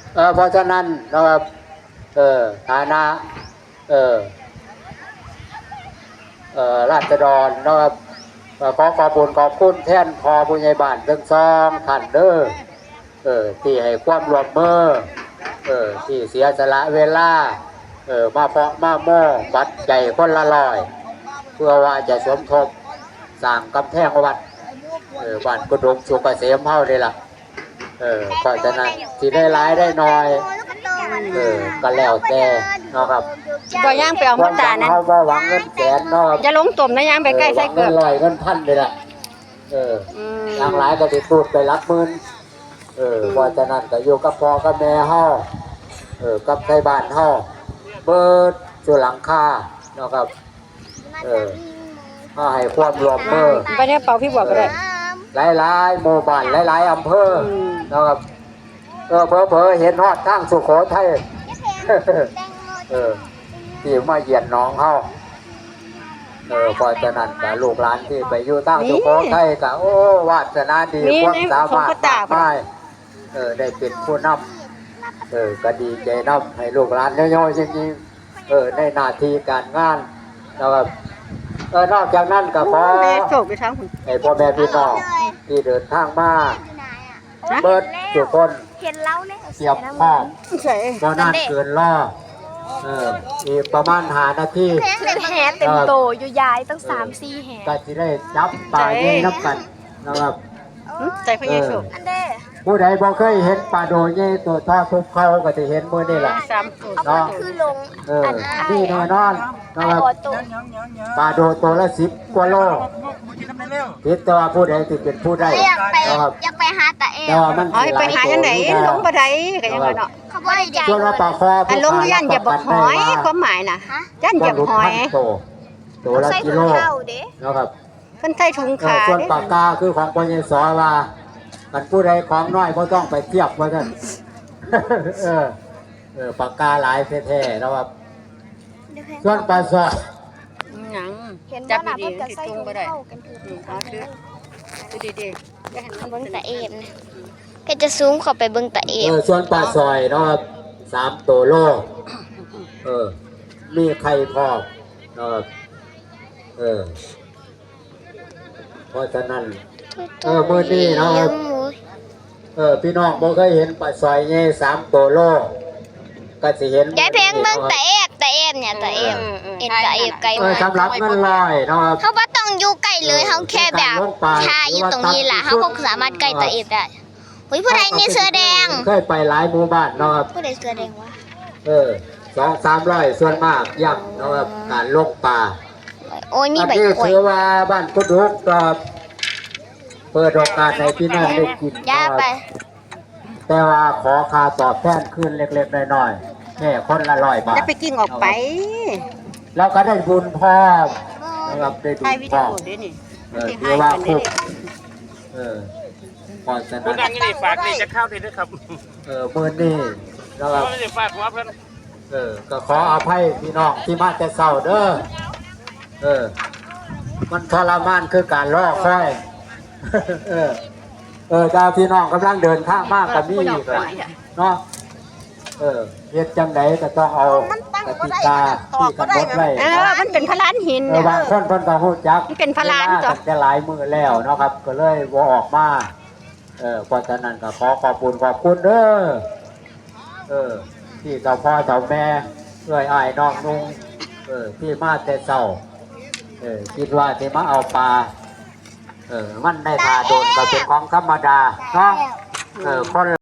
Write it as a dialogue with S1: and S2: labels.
S1: เพราะฉะนั้นนะครับฐานะราษฎรนะครับขอขอบคุณขอบคุณแทนพอผู้ใหญ่บ้านทั้งสองท่านเด้อที่ให้ความร่วมมือที่เสียสละเวลามาเพาะมาโม่บัดใจคนละร้อยเพื่อว่าจะสมทบสร้างกำแพงวัดบ้านกุดมสุกเกษมเฮาเลยล่ะเพราะฉะนั้นที่ได้ร้ายได้น้อยก็แล้วแต่นะครับ
S2: บ่ย่างไปเอาหมดตานั้น
S1: เขาบ่หวังเงินแสนนะครับ
S2: จะลงตุ่มนะย่างไปใกล้ใส่เกือบ
S1: เงินลอยเงินพันเลยล่ะทางหลายก็ติดตูดไปรักหมื่นเพราะฉะนั้นก็อยู่กับพ่อกับแม่เฮากับไทบ้านเฮาเบิดสู่หลังคานะครับก็ให้ความรวมมือ
S2: ไปเนี่ยเป่าพี่บอกก็ได้
S1: หลายๆหมู่บ้านหลายๆอำเภอนะครับเผลอเห็นฮอดทางสุโขทัยที่มาเยียนน้องเฮาเพราะฉะนั้นกับลูกหลานที่ไปอยู่ทางสุโขทัยก็โอ้วาสนาดีความสามารถมากมายได้เป็นผู้นำก็ดีใจนำให้ลูกหลานน้อยๆจริงๆในหน้าที่การงานนะครับนอกจากนั้นก็ขอให้พ่อแม่พี่น้องที่เดินทางมาเบิดทุกคนเตรียมพร้อมก็นานเกินรออีกประมาณ5 นาที
S3: แหเต็มโตอยู่ยายตั้ง3-4 แห
S1: ก็จะได้จับปลาเย่นับกันนะครับ
S2: ใจพระเยซู
S1: ผู้ใดบ่เคยเห็นปลาโดเย่ตัวทอดทุบเขาก็จะเห็นมื้อนี่แหละ
S3: เนาะคือลง
S1: นี่แน่นอนนะครับปลาโดตัวละ10 กว่าโลคิดแต่ว่าผู้ใดที่เป็นผู้ได้
S3: นะครับอยากไปหาตาเอ๋
S2: ไปหาจังได๋ลงบ่ได้ก็ยังว่าเนาะ
S3: เขาบ่ได้ใจ
S1: ส่วนปลาคอ
S2: ลงยันอย่าบ่หอยความหมายน่ะยันอย่าหอย
S1: ตัวละกิโลนะครับ
S2: เพิ่นใส่ถุงขา
S1: ส่วนปากกาคือของปยสว่ากันผู้ใดของน้อยบ่ต้องไปเทียบว่าซั่นปากกาหลายแท้ๆนะครับส่วนปลาซอย
S2: หยังจับดีๆจุงบ่ได้เอาซื้อดีๆอย่าให้มัน
S3: เบิ่งตาเอ็มก็จะซูมเข้าไปเบิ่งตาเอ็ม
S1: ส่วนปลาซอยนะครับ3 ตัวโลมีไข่พอกนะครับเพราะฉะนั้นมื้อนี้นะครับพี่น้องบ่เคยเห็นปลาซอยใหญ่3 ตัวโลก็สิเห็น
S3: ยายเพลงเบิ่งตาเอ็มเนี่ยตาเอ็มตาเอ็มไกล
S1: สำหรับเงินลอยนะครับ
S3: เขาบ่ต้องอยู่ใกล้เลยเขาแค่แบบชาอยู่ตรงนี้ล่ะเขาคงสามารถใกล้ตาเอ็มได้ผู้ใดนี่เสื้อแดง
S1: เคยไปหลายหมู่บ้านนะครับ
S3: ผู้ใดเสื้อแดงวะ
S1: 200-300ส่วนมากย่ำนะครับการลงป่า
S3: โอ้ยมีใบกล้วย
S1: ถือว่าบ้านกุดรุกก็เปิดโอกาสให้พี่น้องได้กินแต่ว่าขอค่าตอบแทนขึ้นเล็กๆน้อยๆแค่คนละ100 บาท
S2: จะไปกิ้งออกไป
S1: แล้วก็ได้บุญพร้อมนะครับได้บุญพร้อมถือว่าคุ้มพอจะ
S4: ผู้ดังนี่ฝากนี่จะเข้าดีด้วยครับ
S1: มื้อนี้นะครับ
S4: ฝากหัวเพิ่น
S1: ก็ขออภัยพี่น้องที่มาแต่เช้าเด้อมันทรมานคือการรอคอยเจ้าพี่น้องกำลังเดินทางมากกับนี่เนาะเฮ็ดจังไดก็ต้องเอากติกาที่กำหนดไว้
S2: มันเป็นพลานหิน
S1: บางคนเพิ่นก็ฮู้จัก
S2: เป็นพลาน
S1: จ้ะจะหลายมื้อแล้วเนาะครับก็เลยบ่ออกมาเพราะฉะนั้นก็ขอขอบคุณเด้อที่เจ้าพ่อเจ้าแม่อ้ายน้องนุ่งที่มาแต่เช้าคิดว่าจะมาเอาปลามันได้ทาโดนก็เป็นของธรรมดาเนาะคน